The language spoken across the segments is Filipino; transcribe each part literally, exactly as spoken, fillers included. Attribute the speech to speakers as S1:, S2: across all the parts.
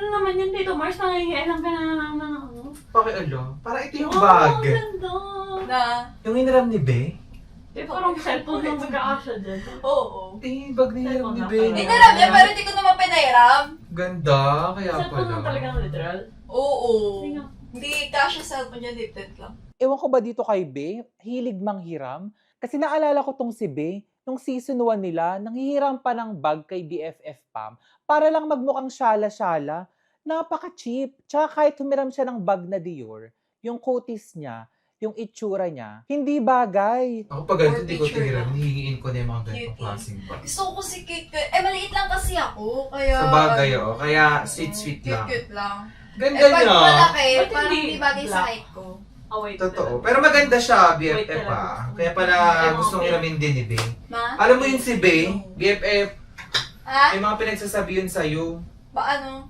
S1: naman yun dito, Mars? Nangyayailang ka na naman ng ano?
S2: Pakialo. Para ito yung
S1: Oh,
S2: bag.
S1: ang ganda.
S3: Na?
S2: Yung hiniram ni Be?
S1: Eh, parang cellphone lang magkakasya dyan.
S3: Oo.
S2: Eh, bag na hiniram ni Be.
S1: Cellphone na
S3: Hiniram niya, pero hindi ko naman pinairam.
S2: Ganda, kaya
S1: Cellphone
S2: pala.
S1: lang talagang literal.
S3: Oo.
S1: Sige.
S3: Hindi kasha cellphone niya, lifted lang.
S4: Ewan ko ba dito kay Be, hilig manghiram? Kasi naalala ko tong si Be, nung season one nila, nanghihiram pa ng bag kay B F F Pam para lang magmukhang syala-syala. Napaka-cheap. Tsaka kahit humiram siya ng bag na Dior, yung kutis niya, yung itsura niya, hindi bagay.
S2: Ako pag ganito,
S3: Or
S2: hindi ko
S3: picture
S2: tiniram.
S3: lang.
S2: Hihingiin ko na yung mga ganitong
S3: Cutie.
S2: klaseng bag.
S3: Gusto ko si cute cute. Eh, maliit lang kasi ako. Kaya...
S2: Sa bagay, oh. Kaya sweet-sweet
S3: Cute
S2: lang.
S3: cute lang.
S2: Ganda
S3: Eh, pag
S2: niya.
S3: malaki,
S1: Ba't
S3: parang
S1: hindi
S3: hindi bagay sa
S1: black?
S3: height ko.
S1: Oh, wait.
S2: Totoo. Pero maganda siya, B F
S1: Wait,
S2: F
S1: talaga.
S2: ah. Kaya pala
S1: Ewan
S2: gustong
S1: ko.
S2: iramin din ni Be.
S3: Ma?
S2: Alam mo yun si Be, B F F,
S3: Ha?
S2: may mga pinagsasabi yun sa'yo.
S3: Ba ano?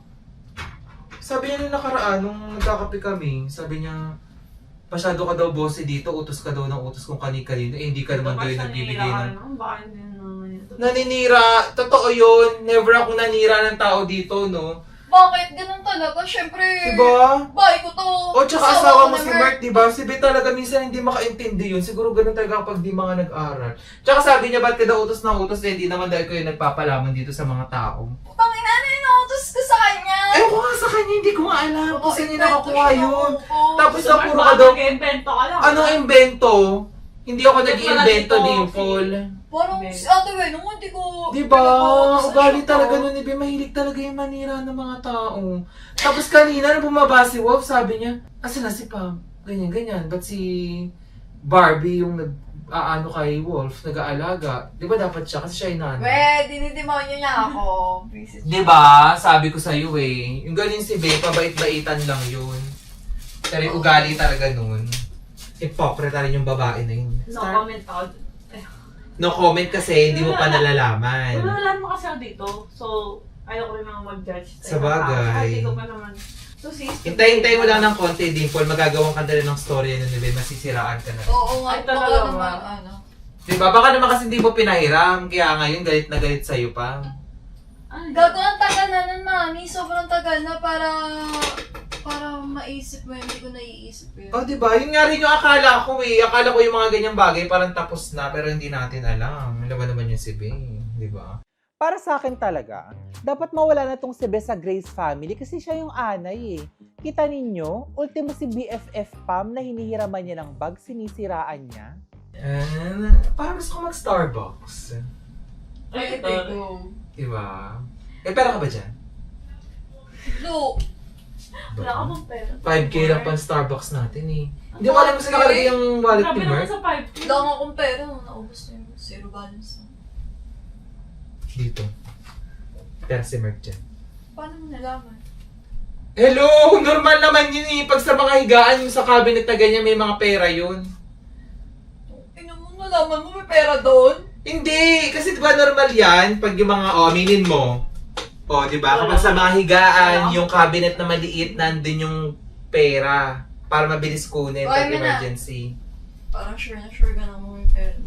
S2: Sabi niya nung nakaraan, nung nagkakape kami, sabi niya, pasyado ka daw bossy dito, utos ka daw ng utos kung kani-kanino, eh hindi ka naman daw yung nagbibigay ng...
S1: Baka hindi naman yun.
S2: Naninira! Totoo yun! Never akong nanira ng tao dito, no?
S3: Bakit? Ganun talaga. Siyempre.
S2: Diba?
S3: Bahay ko to.
S2: O tsaka asawa mo
S3: ko
S2: si
S3: naman.
S2: Mark, diba? Si Be talaga minsan hindi makaintindi yun. Siguro ganun talaga kapag di mga nag-aral. Tsaka sabi niya, ba't ka daw utos na utos? Eh, hindi naman dahil ko yung nagpapalaman dito sa mga tao.
S3: Pangina, ano yung nautos ko sa kanya?
S2: Eh, ko nga sa kanya, hindi ko nga alam kung saan niya nakakuha yun.
S3: Tapos,
S2: Tapos
S1: Gusto
S2: na
S1: Mars,
S2: puro
S1: baka
S2: ka daw,
S1: nag-invento ka lang.
S2: anong invento? Hindi ako
S1: Hindi
S2: nag-invento,
S1: pala si
S2: Dimple.
S3: parang si Ate Wen, nung hindi ko...
S2: Diba?
S3: pinag-uutos na
S2: Ugali
S3: siya
S2: talaga
S3: ko.
S2: nun ni Be. Mahilig talaga yung manira ng mga tao. Tapos kanina, nung bumaba si Wolf, sabi niya, asan na si Pam? Ganyan, ganyan. Ba't si Barbie yung nag aano kay Wolf, nag-aalaga? Di ba dapat siya? Kasi siya yung nanay.
S3: We, dinidemonyo niya ako. Visit
S2: Di ba? Sabi ko sa'yo eh. Yung galing si Be, pabait-baitan lang yun. Pero yung ugali talaga nun. Hypocrite rin yung babae na yun.
S1: No
S2: Star-
S1: comment out.
S2: No comment kasi hindi mo pa nalalaman.
S1: Wala mo kasi ako dito. So, ayaw ko rin naman mag-judge.
S2: Sa bagay.
S1: Ay, hindi ko pa naman. So, sis.
S2: Hintay-hintay mo lang ng konti, Dimple. Magagawang ka na rin ng story na nila. Masisiraan ka na rin.
S3: Oo nga,
S1: Ay,
S3: baka
S1: talaga ba?
S3: naman, ano.
S2: Diba? Baka naman kasi hindi mo pinahiram. Kaya ngayon galit na galit sa'yo pa.
S1: Ay,
S3: Gago ang tagal na nun, mami. Sobrang tagal na para... Para maisip mo yun. Hindi ko naiisip yun.
S2: Oh, diba? Yun nga rin yung akala ko eh. Akala ko yung mga ganyang bagay parang tapos na pero hindi natin alam. Alam ba naman yung si Bing, diba?
S4: Para sa akin talaga, dapat mawala na tong si Be sa Grace family kasi siya yung anay eh. Kita ninyo, ultimo si B F F Pam na hinihiraman niya ng bag, sinisiraan niya.
S2: And, parang gusto ko mag-Starbucks.
S1: Ay,
S3: Ay,
S1: ito.
S3: go.
S2: Diba? Eh, pera ka ba dyan?
S3: Look.
S1: Wala ka bang pera?
S2: five K lang pang Starbucks natin eh. Hindi ko alam kung saan nakalagay yung wallet
S1: Grabe
S2: ni
S1: naman
S2: Mark.
S1: sa five K.
S3: Wala nga akong pera. Naubos na yung zero balance na.
S2: Dito. Pera si Mark dyan.
S3: Paano mo nalaman?
S2: Hello! Normal naman yun eh. Pag sa mga higaan yung sa cabinet na ganyan may mga pera yun.
S3: Ino mo, nalaman mo may pera doon?
S2: Hindi! Kasi diba normal yan? Pag yung mga, oh, aminin mo. Oh, diba? Kapag sa mga higaan, yung cabinet na maliit, nandun yung pera. Para mabilis kunin pag
S3: Ay, may na.
S2: emergency.
S3: Parang sure na sure ka na mo may pera.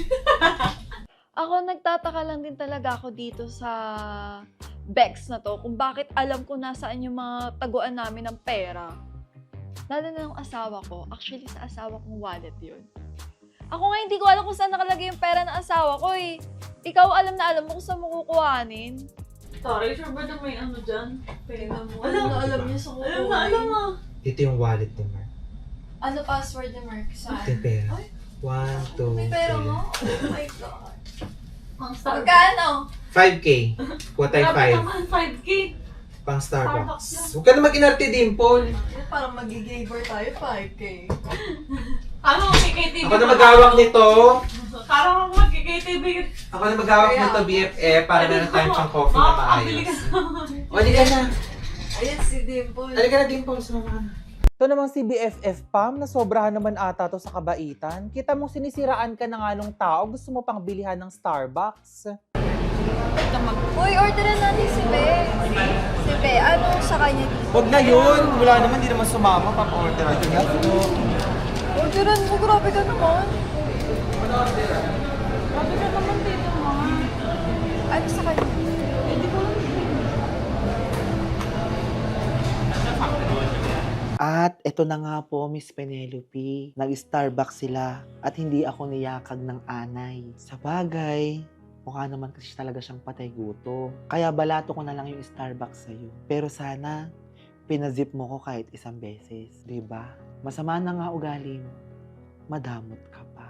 S5: Ako, nagtataka lang din talaga ako dito sa Bex na to kung bakit alam ko nasaan yung mga taguan namin ng pera. Lalo na yung asawa ko. Actually, sa asawa kong wallet yun. Ako nga hindi ko alam kung saan nakalagay yung pera ng asawa ko eh. Ikaw alam na alam mo kung saan mo kukuhanin.
S1: Sorry, sure ba na may ano dyan? Pera
S3: Tingnan
S1: mo.
S3: mo. Ano
S1: Alam,
S3: na alam niya sa kukuha.
S1: alam na, alam mo.
S2: Ito yung wallet ni Mark.
S3: Ano password ni Mark? Saan?
S2: Ito yung pera.
S3: Ay,
S2: One, two,
S3: may pera
S2: three.
S3: mo? Oh my God.
S1: Ang Starbucks.
S3: Magkano?
S2: five K. What ay
S1: Grabe
S2: five?
S1: naman, five K.
S2: Pang
S1: Starbucks
S2: Starbucks.
S1: lang.
S2: Huwag ka na mag-inarte, Dimple.
S3: Parang magigabor tayo, five K.
S1: Ano, K K T V?
S2: Ako na maghawak nito.
S1: Parang ako mag-K K T V.
S2: Ako na maghawak
S3: Kaya-
S2: nito, B F F, para meron tayong pang coffee na
S1: Makakabili
S2: maayos.
S1: ka.
S2: O, di ka na.
S3: Ayan si Dimple.
S2: Halika na, Dimple. Sumama ka na.
S4: Ito namang si B F F Pam, na sobrahan naman ata to sa kabaitan. Kita mong sinisiraan ka na nga nung tao, gusto mo pang bilihan ng Starbucks.
S5: Uy, orderan natin si Be. Si Be, ano sa kanya dito?
S2: Huwag na yun. Wala naman, di naman sumama. Papa-order natin yan.
S5: Orderan mo, grabe ka naman.
S1: Grabe ka naman dito, mga.
S5: Ano sa kanya?
S1: Hindi ko lang.
S6: At eto na nga po, Miss Penelope. Nag-Starbucks sila at hindi ako niyakag ng anay. Sa bagay, mukha naman kasi talaga siyang patay gutom. Kaya balato ko na lang yung Starbucks sa'yo. Pero sana, pinazip mo ko kahit isang beses. 'Di ba? Masama na nga ugali mo. Madamot ka pa.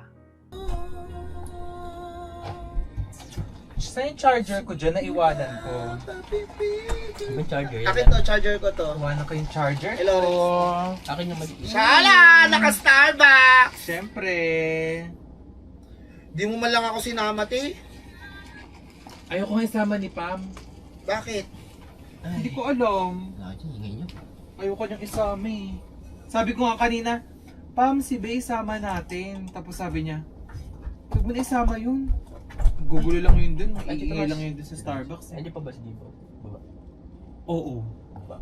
S2: Saan yung charger ko dyan? Naiwanan ko.
S7: Yung charger.
S8: Akin to, charger ko to.
S2: Iwanan ko yung charger
S8: Hello,
S2: ko.
S7: Akin yung maliit.
S8: Shala! Naka-Starbucks!
S2: Siyempre.
S8: Di mo man lang ako sinama, te.
S2: Ayoko nga isama ni Pam.
S8: Bakit?
S2: Hindi ko alam.
S7: Lagi, ingay nyo.
S2: Ayoko niyang isama eh. Sabi ko nga kanina, Pam, si Bay, sama natin. Tapos sabi niya, huwag mo na isama yun. Gugulo lang yun dun.
S7: Ay, dito
S2: Iingay
S7: mas-
S2: lang yun dun sa Starbucks. Eh.
S7: Nandiyan pa ba si Divo? Baba.
S2: Oo.
S7: Baba.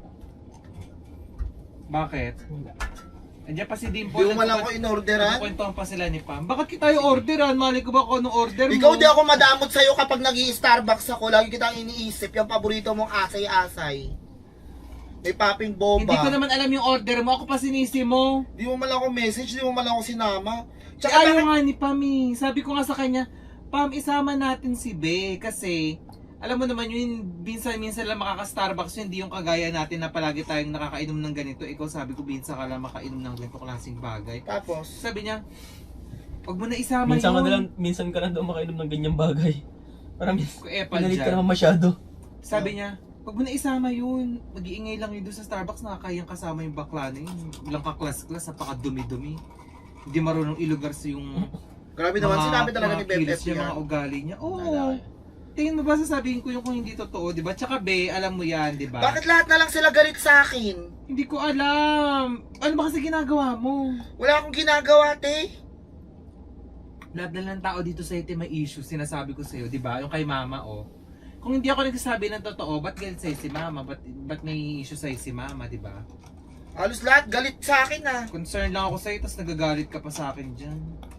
S2: Bakit?
S7: Wala.
S2: Andiyan pa si Dimple.
S8: Di mo man lang ako in-orderan.
S2: Nagkukwentuhan pa sila ni Pam. Bakit kita yung orderan? Mali ko ba kung anong order mo?
S8: Ikaw di ako madamot sa'yo kapag nag starbucks ako. Lagi kitang iniisip. Yung paborito mong asay-asay. May popping bomba.
S2: Hindi ko naman alam yung order mo. Ako pa sinisi mo.
S8: Di mo man lang ako message. Di mo man lang ako sinama.
S2: Tsaka
S8: Tsaka
S2: ayaw
S8: bakit-
S2: nga ni Pam eh. Sabi ko nga sa kanya, Pam, isama natin si Be. Kasi, alam mo naman yun, minsan-minsan lang makaka-Starbucks yun. Hindi yung kagaya natin na palagi tayong nakakainom ng ganito. Ikaw sabi ko, minsan ka lang makainom ng ganito klaseng bagay.
S8: Tapos,
S2: Sabi niya, wag mo na isama
S7: Minsan ka
S2: yun.
S7: na lang, minsan ka lang daw makainom ng ganyang bagay. Parang
S2: Kung epal
S7: pinalit ka
S2: dyan.
S7: naman masyado.
S2: Sabi niya, wag mo na isama yun. Mag-iingay lang yun doon sa Starbucks. Nakakayang kasama yung bakla na yun. Walang kaklas-klas, napaka-dumi-dumi. Hindi marunong ilugar sa yung
S8: grabe naman. Sinabi talaga ni
S2: mga
S8: Beb
S2: kilos
S8: F
S2: niya,
S8: yan.
S2: mga ugali niya. Oo. Tingin mo ba sasabihin ko yung kung hindi totoo, di ba? Tsaka Be, alam mo yan, di ba?
S8: Bakit lahat na lang sila galit sa akin?
S2: Hindi ko alam. Ano ba kasi ginagawa mo?
S8: Wala akong ginagawa, te.
S2: Lahat na lang tao dito sa ite may issue, sinasabi ko sa'yo, di ba? Yung kay mama, oh. Kung hindi ako nagsasabi ng totoo, ba't galit sa'yo si mama? Ba't, ba't may issue sa'yo si mama, di ba?
S8: Halos lahat galit sa akin, ah.
S2: Concerned lang ako sa'yo, tapos nagagalit ka pa sa akin dyan.